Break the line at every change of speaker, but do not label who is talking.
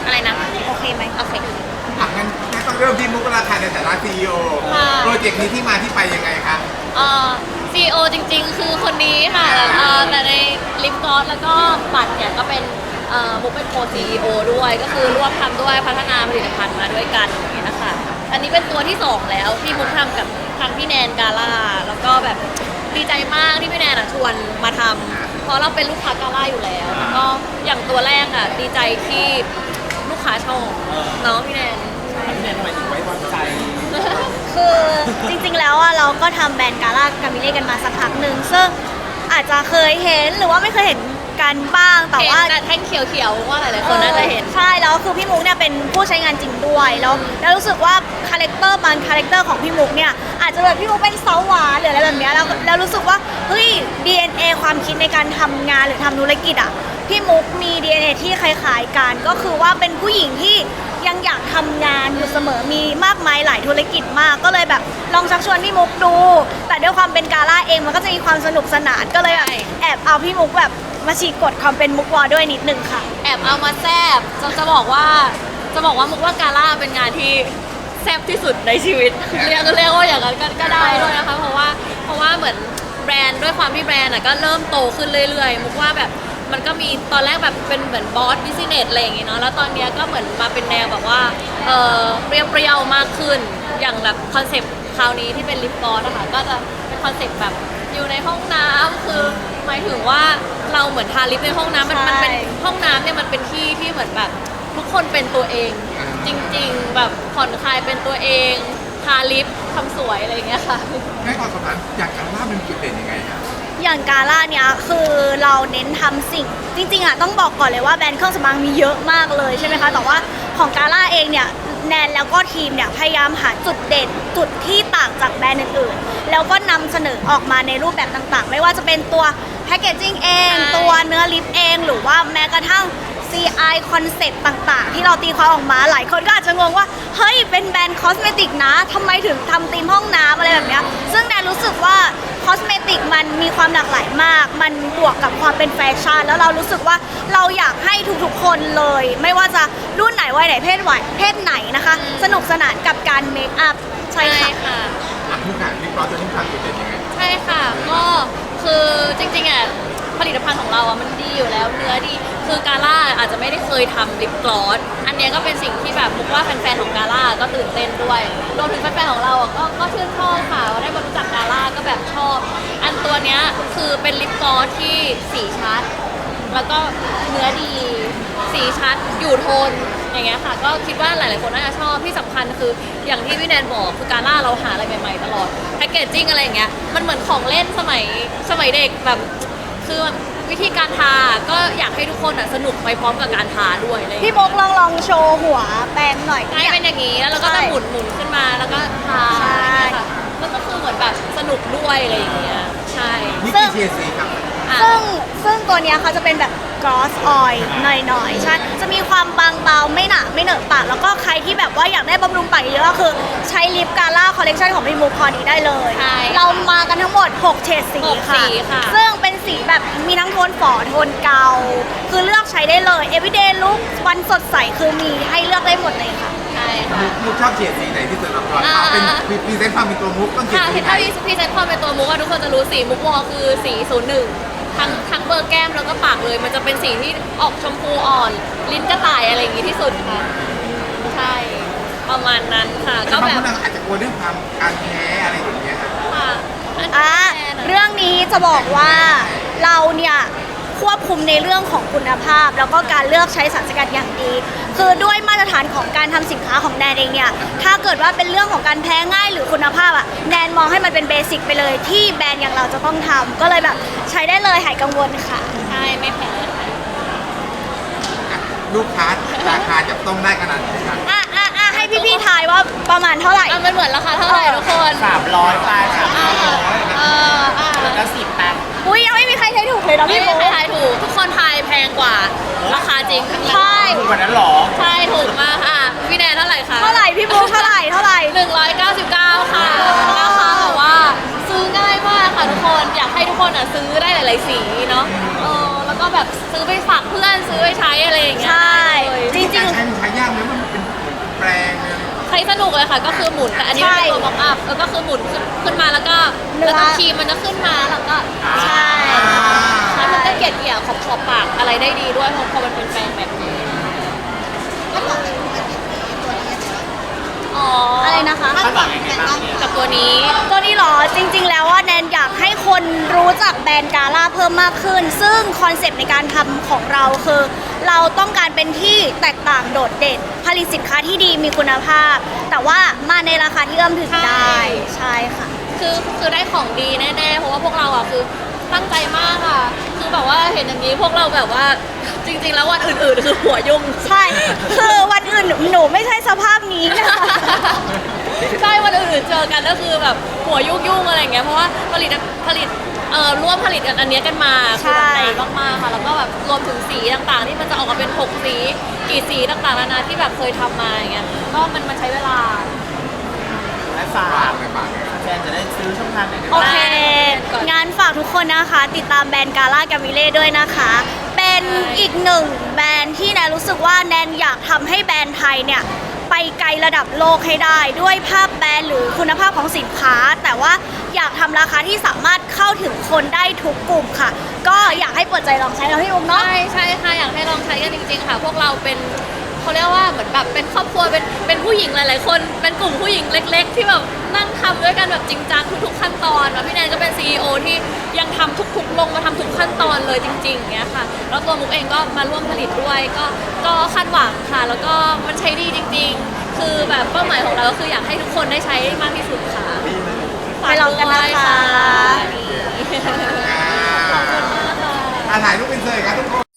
อะไรนะ
โอเคไหม
โอเค
งั้นต้องเริ่มที่มุกราคาในฐานะซีอีโอโปรเจกต์นี้ที่มาที่ไปยังไงคะ
ซีอีโอจริงๆคือคนนี้ค่ะแต่ในลิปกลอสแล้วก็บัตรเนี่ยก็เป็นมุกเป็นโคซีอีโอด้วยก็คือร่วมทำด้วยพัฒนาผลิตภัณฑ์มาด้วยกันอย่างนี้นะคะอันนี้เป็นตัวที่2แล้วที่มุกทำกับทางพี่แนนกาล่าแล้วก็แบบดีใจมากที่พี่แนนชวนมาทำเพราะเราเป็นลูกค้ากาล่าอยู่แล้วแล้วก็อย่างตัวแรกดีใจที่ลูกค้าชอบเนาะพี่แนน
พี่แนนทำไมถึงไว้วางใจ
คือจริงๆแล้วเราก็ทำแบรนด์กาล่ากามิเล่กันมาสักพักหนึ่งซึ่งอาจจะเคยเห็นหรือว่าไม่เคยเห็นกันบ้างแต่ว่า
แท่งเขียวๆว่าหลายๆคนน่าจะเห็น
ใช่แล้วคือพี่มุกเนี่ยเป็นผู้ใช้งานจริงด้วยแล้วรู้สึกว่าคาแรคเตอร์บางคาแรคเตอร์ของพี่มุกเนี่ยอาจจะแบบพี่มุกเป็นสาวหวานหรืออะไรแบบนี้แล้วรู้สึกว่าเฮ้ย DNA ความคิดในการทำงานหรือทำธุรกิจพี่มุกมี DNA ที่คล้ายๆกันก็คือว่าเป็นผู้หญิงที่ยังอยากทำงานอยู่เสมอมีมากมายหลายธุรกิจมากก็เลยแบบลองชักชวนพี่มุกดูแต่ด้วยความเป็นกาล่าเองมันก็จะมีความสนุกสนานก็เลยแอบเอาพี่มุกแบบมาฉีกกฎความเป็นมุกวอด้วยนิดนึงค่ะ
แอบเอามาแซบจะบอกว่ามุกว่ากาล่าเป็นงานที่แซบที่สุดในชีวิตเรียกว่าอย่างนั้นก็ได้ด้วยนะคะเพราะว่าเหมือนแบรนด์ด้วยความที่แบรนด์ก็เริ่มโตขึ้นเรื่อยๆมุกว่าแบบมันก็มีตอนแรกแบบเป็นเหมือนบอสบิสเนสอะไรอย่างงี้เนาะแล้วตอนนี้ก็เหมือนมาเป็นแนวแบบว่าเปรี้ยวมากขึ้นอย่างแบบคอนเซปต์คราวนี้ที่เป็นลิปกลอสนะคะก็จะเป็นคอนเซปต์แบบอยู่ในห้องน้ำคือหมายถึงว่าเราเหมือนทาลิปในห้องน้ำมันเป็นห้องน้ำเนี่ยมันเป็นที่ที่เหมือนแบบทุกคนเป็นตัวเองจริงๆแบบผ่อนคลายเป็นตัวเองทาลิปทำสวยอะไรอย่างเงี้ยค่ะ
ให้ความสำคัญอยากการล่าเป็นจุดเด่นยังไงครับ
อย่างกาล่าเนี่ยคือเราเน้นทำสิ่งจริงๆต้องบอกก่อนเลยว่าแบรนด์เครื่องสำอางมีเยอะมากเลยใช่ไหมคะแต่ว่าของกาล่าเองเนี่ยแนนแล้วก็ทีมเนี่ยพยายามหาจุดเด่นจุดที่ต่างจากแบรนด์อื่นๆแล้วก็นำเสนอออกมาในรูปแบบต่างๆไม่ว่าจะเป็นตัวแพคเกจจิ้งเองตัวเนื้อลิปเองหรือว่าแม้กระทั่ง CI คอนเซ็ปต์ต่างๆที่เราตีความออกมาหลายคนก็อาจจะงงว่าเฮ้ยเป็นแบรนด์คอสเมติกนะทำไมถึงทำธีมห้องน้ำอะไรแบบเนี้ยซึ่งแนนรู้สึกว่าคอสเมติกมันมีความหลากหลายมากมันบวกกับความเป็นแฟชั่นแล้วเรารู้สึกว่าเราอยากให้ทุกๆคนเลยไม่ว่าจะรุ่นไหนวัยไหนเพศไหนนะคะสนุกสนานกับการเมคอัพใช่ค่ะ
ทุกอย่างลิปกลอสจะต้องทำจุดเด่นยังไง
ใช่ค่ะก็คือจริงๆผลิตภัณฑ์ของเรามันดีอยู่แล้วเนื้อดีคือกาล่าอาจจะไม่ได้เคยทำลิปกลอสอันนี้ก็เป็นสิ่งที่แบบมุกว่าแฟนๆของกาล่าก็ตื่นเต้นด้วยรวมถึงแฟนๆของเราก็ชื่นชอบค่ะได้มารู้จักกาล่าก็แบบชอบอันตัวเนี้ยคือเป็นลิปกลอสที่สีชัดแล้วก็เนื้อดีสีชัดอยู่โทนอย่างเงี้ยค่ะก็คิดว่าหลายๆคนน่าจะชอบที่สำคัญคืออย่างที่พี่แนนบอกคือกาล่าเราหาอะไรใหม่ๆตลอดแพคเกจจิ้งอะไรอย่างเงี้ยมันเหมือนของเล่นสมัยเด็กแบบคือวิธีการทาก็อยากให้ทุกคนสนุกไปพร้อมกับการทาด้วยเลย
พี่บอกลองโชว์หัวแปรงหน่อย
ให้เป็นอย่างนี้แล้วเราก็จะหมุนขึ้นมาแล้วก็ทาใช่ค่ะแล้วก็คือเหมือนแบบสนุกด้วยอะไรอย่างเงี้ยใช่
นี่คือเชียร์สีครับ
ซึ่งตัวเนี้ยเขาจะเป็นแบบ gloss oil หน่อยๆใช่จะมีความบางเบาไม่หนาไม่เหนอะปากแล้วก็ใครที่แบบว่าอยากได้บำรุงปากเยอะก็คือใช้ลิปกาล่าคอลเลคชันของพี่มุกพอนี้ได้เลยเรามากันทั้งหมด6เฉดสีค่ะซึ่งเป็นสีแบบมีทั้งโทนฝอโทนเกาคือเลือกใช้ได้เลย everyday look วันสดใสคือมีให้เลือกได้หมดเลยค่ะ
ใช่ค่ะ
มุกชอบเฉดสีไหนที่สุดเราเป็นพรีเซนต์ความเป็นตัวมุกต้องเฉดสีไหน
ถ้าพรีเซนต์ความเป็นตัวมุกทุกคนจะรู้สีมุกวอคือสี01ทั้งเบอร์แก้มแล้วก็ปากเลยมันจะเป็นสีที่ออกชมพูอ่อนลิ้นกระต่ายอะไรอย่างงี้ที่สุดค่ะใช่ประมาณนั้นค่ะ
ก็แบบอาจจะกลัวเรื่องความการแพ้อะไรอย่างเงี้ย
ค่ะเรื่องนี้จะบอกว่าเราเนี่ยควบคุมในเรื่องของคุณภาพแล้วก็การเลือกใช้สารสกัดอย่างดีคือด้วยมาตรฐานของการทำสินค้าของแนนเองเนี่ยถ้าเกิดว่าเป็นเรื่องของการแพ้ง่ายหรือคุณภาพแนนมองให้มันเป็นเบสิกไปเลยที่แบรนด์อย่างเราจะต้องทำก็เลยแบบใช้ได้เลยหายกังวลค่ะ
ใช่ไม่แพ้
ลูกค้าราคาจะต้องได้ขนาดไหนครับ
ให้พี่ๆทายว่าประมาณเท่าไหร่
มันเหมือนราคาเท่าไหร่ทุกคน
300ไปแล้วก็10แปด
อุ้ยยังไม่มีใครทายถูกเลยเนาะพี่
โบไม่มีใครทายถูกทุกคนทายแพงกว่าราคาจริง
ใช่
ถูกกว่านั้นหรอ
ใช่ถูกมากค่ะพี่แนนเท่าไหร่คะ
เท่าไหร่พี่โบเท่าไหร่
199ค่ะราคาแบบว่าซื้อง่ายมากค่ะทุกคนอยากให้ทุกคนซื้อได้หลายๆสีเนาะแล้วก็แบบซื้อไปฝากเพื่อนซื้อไปใช้อะไรอย่างเงี้ย
ใช่
จริงๆใช้
เลยค่ะก็คือหมุนแต่อันนี้
ใช่
เป็นตัวบ็อกอัพก็คือหมุนขึ้นมาแล้วก็
เนื้อ
แล้วก็ครีมมันจะขึ้นมาแล้วก็
ใช่
ใช่มันก็เกลี่ยขอบปากอะไรได้ดีด้วยเพราะพอมันเป็นแปรงแบบนี้อ๋อ
อะ
อะไร
นะคะ
คาดหวังยังไงบ้างเนี่ย
กับตัวนี้
ตัวนี้เหรอจริง ๆ แล้วว่าแนนอยากให้คนรู้จักแบรนด์กาล่าเพิ่มมากขึ้น ซึ่งคอนเซปต์ในการทำของเราคือ เราต้องการเป็นที่แตกต่างโดดเด่น ผลิตสินค้าที่ดีมีคุณภาพ แต่ว่ามาในราคาที่เอื้อมถึงได้ใช่ค่ะ
คือได้ของดีแน่ๆเพราะว่าพวกเราอ่ะคือตั้งใจมากค่ะคือแบบว่าเห็นอย่างนี้พวกเราแบบว่าจริงๆแล้ววันอื่นๆคือหัวยุ่ง
ใช่ คือวันอื่นหนูไม่ใช่สภาพนี้นะคะ
ใช่วันอื่นๆเจอกันก็คือแบบหัวยุ่งๆอะไรอย่างเงี้ยเพราะว่าผลิตร่วมผลิตกันอันเนี้ยกันมา
ใช่
คือนานมากๆค่ะแล้วก็แบบรวมถึงสีต่างๆ ที่มันจะออกมาเป็น6สีกี่สีต่างๆนานาที่แบบเคยทำมาอย่างเงี้ยก็มันใช้เวลา
และฝา
ฝาก กเลยฝากเลย
แฟนจะได้ซื้อช่องทางไหนได้
โอ
บ้าง
เค
ก่อน
งานฝากทุกคนนะคะ ติดตามแบรนด์กาล่ากามิเล่ด้วยนะคะ เป็นอีกหนึ่งแบรนด์ที่แนนรู้สึกว่าแนนอยากทำให้แบรนด์ไทยเนี่ยไปไกลระดับโลกให้ได้ ด้วยภาพแบรนด์หรือคุณภาพของสินค้า แต่ว่าอยากทำราคาที่สามารถเข้าถึงคนได้ทุกกลุ่มค่ะ ก็อยากให้เปิดใจลองใช้เราพี่อุ้มเนาะ
ใช่ค่ะอยากให้ลองใช้กันจริงๆค่ะ พวกเราเป็นเขาเรียกว่าเหมือนแบบเป็นครอบครัวเป็นผู้หญิงหลายๆคน เป็นกลุ่มผู้หญิงเล็ก ๆ ที่แบบนั่งทำด้วยกันแบบจริงจังทุกๆขั้นตอนแล้วพี่แนนก็เป็น CEO ที่ยังทำทุกๆลงมาทำทุกขั้นตอนเลยจริงๆอย่างเงี้ยค่ะแล้วตัวมุกเองก็มาร่วมผลิตด้วยก็คาดหวังค่ะ แล้วก็มันใช้ดีจริง ๆ คือแบบเป้าหมายของเราก็คืออยากให้ทุกคนได้ใช้มากที่สุดค่ะ
ไปลองกันนะคะ
ขอบคุณมากค่ะ
ถ่ายรูปเป็นเซอร์ครับทุกคน